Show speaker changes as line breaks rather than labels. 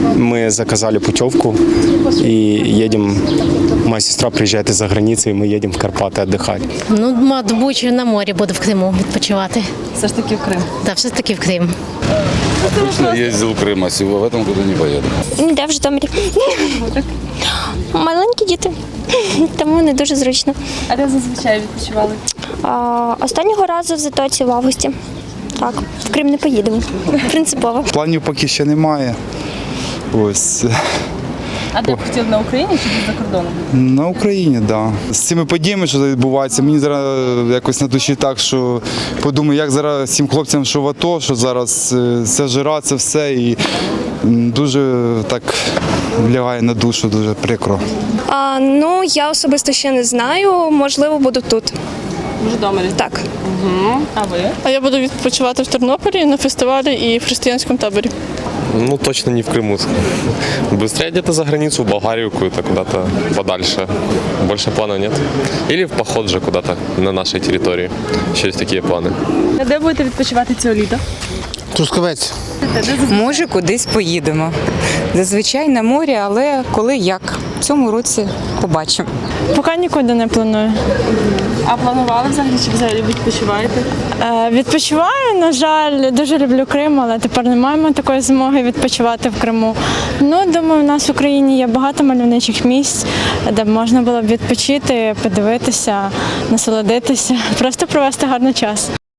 Мы заказали путевку и едем. Моя сестра приезжает из-за границы, и мы едем в Карпаты отдыхать.
Ну, мабуть, на морі буду в Криму відпочивати.
Все ж таки в Крим.
Так, все ж таки в Крим.
Обычно ездил в Крым, а в этом году не поеду.
Ніде в Житомирі. Маленькі діти, тому не дуже зручно.
А де зазвичай відпочивали?
Останнього разу в Затоці в августі. Так, в Крим не поїдемо. Принципово.
Планів поки ще немає. Ось.
А де б хотіли, на Україні чи за кордоном?
На Україні, так. Да. З цими подіями, що відбуваються, мені зараз якось на душі так, що подумаю, як зараз всім хлопцям, що в АТО, що зараз це жира, це все. І дуже так лягає на душу, дуже прикро.
Ну, я особисто ще не знаю. Можливо, буду тут.
В Житомирі?
Так.
А ви?
А я буду відпочивати в Тернополі на фестивалі і в християнському таборі.
Ну, точно не в Крыму. Быстрее где-то за границу, в Болгарию какую-то, куда-то подальше. Больше плана нет. Или в поход же куда-то на нашей территории. Еще есть такие планы.
А де будете відпочивати цього літа?
Трускавець. Може, кудись поїдемо. Зазвичай на морі, але коли як. В цьому році побачимо.
Поки нікуди не планую.
А планували взагалі відпочиваєте?
Відпочиваю, на жаль, дуже люблю Крим, але тепер не маємо такої змоги відпочивати в Криму. Ну, думаю, у нас в Україні є багато мальовничих місць, де можна було б відпочити, подивитися, насолодитися, просто провести гарний час.